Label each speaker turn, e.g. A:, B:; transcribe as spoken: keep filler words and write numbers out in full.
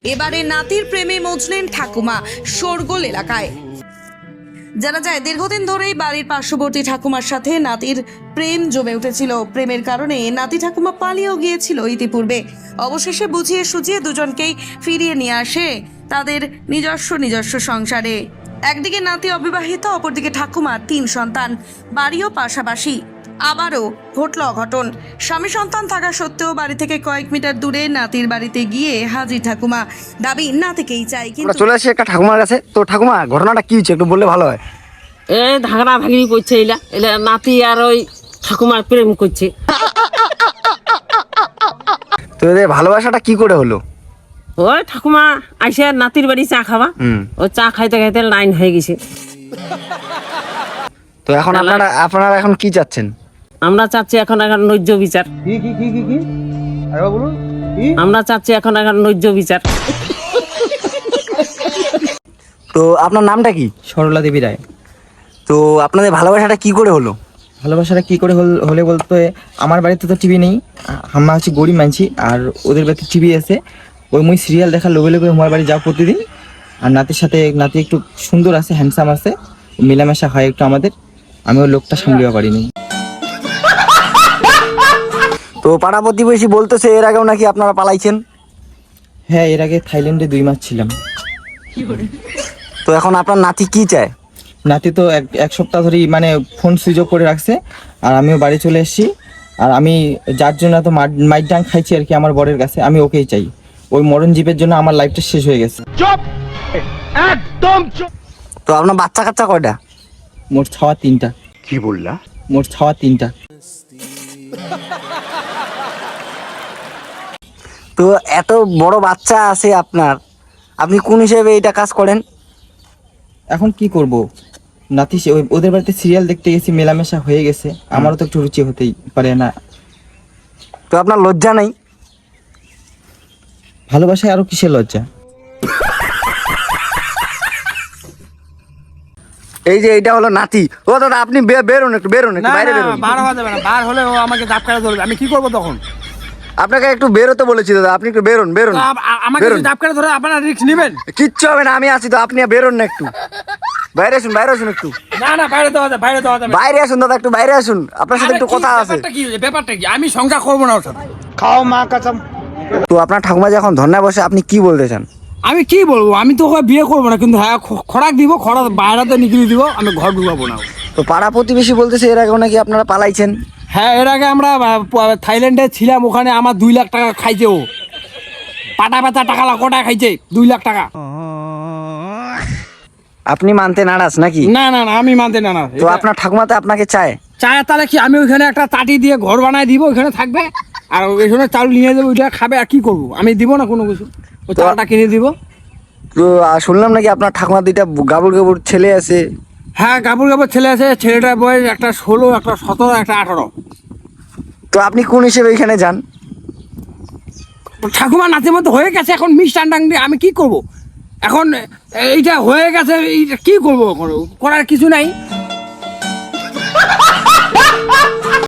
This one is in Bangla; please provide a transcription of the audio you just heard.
A: এবারে নাতির প্রেমে মজলেন ঠাকুমা শোরগোল এলাকায়। জানা যায় দীর্ঘদিন ধরেই বাড়ির পার্শ্ববর্তী ঠাকুমার সাথে নাতির প্রেম জমে উঠেছিল। প্রেমের কারণে নাতি ঠাকুমা পালিয়েও গিয়েছিল ইতিপূর্বে। অবশেষে বুঝিয়ে সুঝিয়ে দুজনকেই ফিরিয়ে নিয়ে আসে তাদের নিজস্ব নিজস্ব সংসারে। একদিকে নাতি অবিবাহিত, অপরদিকে ঠাকুমার তিন সন্তান, বাড়িও পাশাপাশি। আবারও ঘটল অঘটন। স্বামী সন্তান থাকা সত্ত্বেও বাড়ি থেকে কয়েক মিটার দূরে নাতির বাড়িতে গিয়ে হাজির ঠাকুমা। দাবি নাতিকেই চাই। কিন্তু
B: চলে আসি একটা ঠাকুমার কাছে। তো ঠাকুমা, ঘটনাটা কি হচ্ছে একটু বললে ভালো হয়।
C: এ ঝাগড়া ভাগিনি করছে, এলা এলা নাতি আর ওই ঠাকুমার প্রেম করছে।
B: তো এদের ভালোবাসাটা কি করে হলো?
C: ওই ঠাকুমা আইসে নাতির বাড়ি চা খাওয়া, ওই চা খাইতে খাইতে লাইন হয়ে গেছে।
B: তো এখন আপনারা আপনারা এখন কি চাচ্ছেন?
C: আমরা চাচ্ছি এখন এখন নৈজ বিচার।
D: কি কি কি কি কি আরে বলুন কি?
C: আমরা চাচ্ছি এখন এখন নৈজ বিচার।
B: তো আপনার নামটা কি?
D: সরলা দেবী রায়।
B: তো আপনাদের ভালোবাসাটা কি করে হলো?
D: ভালোবাসাটা কি করে হল- হলে বলতে, আমার বাড়িতে তো টিভি নেই, আমরা হচ্ছে গরিব মানছি, আর ওদের বাড়িতে টিভি আছে। ওই মুই সিরিয়াল দেখার লোভে লোভে আমার বাড়ি যাও প্রতিদিন। আর নাতির সাথে নাতি একটু সুন্দর আছে, হ্যান্ডসাম আছে, মেলামেশা হয় একটু আমাদের। আমি ওই লোকটা সামলিয়ে পারিনি।
B: তো পাড়া প্রতিবেশী বলতেছে এর আগেও নাকি আপনারা পালাইছেন।
D: হ্যাঁ, এর আগে থাইল্যান্ডে দুই মাস ছিলাম।
B: তো এখন আপনার নাতি কি চায়?
D: নাতি তো এক এক সপ্তাহ ধরেই মানে ফোন সুইচ অফ করে রাখছে, আর আমিও বাড়ি চলে এসেছি। আর আমি যার জন্য তো মাইট ডাং খাইছি আর কি আমার বরের কাছে, আমি ওকেই চাই। ওই মরণ জীবের জন্য আমার লাইফটা শেষ হয়ে গেছে।
B: তো আপনার বাচ্চা কাচ্চা কয়টা?
D: মোট ছাওয়া তিনটা।
B: কি বললা?
D: মোট ছাওয়া তিনটা।
B: তো এত বড় বাচ্চা আছে আপনার, আপনি কোন হিসেবে এটা কাজ করেন?
D: এখন কি করব, নাতি সে- ওই- ওদের বাড়িতে সিরিয়াল দেখতে গেছি, মেলামেশা হয়ে গেছে, আমারও তো একটু রুচি হতেই পারে না?
B: তো আপনার লজ্জা নেই?
D: ভালোবাসায় আরো কিসের লজ্জা?
B: এই যে এটা হলো নাতি। ও দাদা, আপনি বে- বেরোন একটু, বেরোন একটু, বাইরে বেরোন।
E: বার হওয়া যাবে না, বার হলে ও আমাকে ধাপ কাটা ধরবে, আমি কি করবো তখন?
B: আপনাকে একটু বেরোতে বলেছি দাদা, আপনি একটু বেরোন বেরোন
E: আ- আ- আমাকে
B: বেরোন।
E: যদি ধাপ কাটা ধরে আপনারা রিস্ক নেবেন?
B: কিচ্ছু হবে না, আমি আছি তো, আপনি বেরোন না একটু, বাইরে আসুন, বাইরে আসুন একটু,
E: না না, বাইরে দেওয়া যাবে, বাইরে দেওয়া যাবে।
B: বাইরে আসুন দাদা, একটু বাইরে আসুন, আপনার সাথে
E: আরে
B: একটু
E: কি,
B: কথা আছে।
E: ব্যাপারটা কি ব্যাপারটা কি আমি সংখ্যা করবো না ওর সাথে।
B: তো আপনার ঠাকুমা যখন ধর্নায় বসে, আপনি কি বলতে চান?
E: আমি কি বলবো, আমি তো ওকে বিয়ে করবো না, কিন্তু হ্যাঁ খ- খোরাক দিব, খোরাক বাইরেতে নিকলি দিব, আমি ঘর ঢুকাবো না।
B: তো পাড়া প্রতিবেশী বলতেছে এর আগেও নাকি আপনারা পালাইছেন।
E: হ্যাঁ, এর আগে আমরা আহ, প- থাইল্যান্ডে ছিলাম, ওখানে আমার দুই লাখ টাকা খাইছে ও। পাটা পাতা টাকা কোটা খাইছে দুই লাখ টাকা।
B: আপনি মানতে নারাজ নাকি?
E: না না না, আমি মানতে না না।
B: তো আপনার ঠাকুমা তো আপনাকে চায়।
E: চায় তাহলে কি, আমি ওইখানে একটা তাটি দিয়ে ঘর বানায় দিব, ওইখানে থাকবে, আর ওইখানে চাল নিয়ে যাবো, ওইটা খাবে, আর কি করবো, আমি দিব না কোনো কিছু, ওই চালটা কিনে দিব।
B: তো আহ, শুনলাম নাকি আপনার ঠাকুমা দুইটা গাবুর গাবুর ছেলে আছে।
E: হ্যাঁ, গাবুর গাবুর ছেলে আছে, ছেলেটার বয়স একটা ষোলো, একটা সতেরো, একটা আঠারো।
B: তো আপনি কোন হিসেবে এখানে যান?
E: ঠাকুমা নাচের মতো হয়ে গেছে, এখন মিষ্টান দিয়ে আমি কি করব? এখন এইটা হয়ে গেছে, এইটা কি করবো, করার কিছু নাই।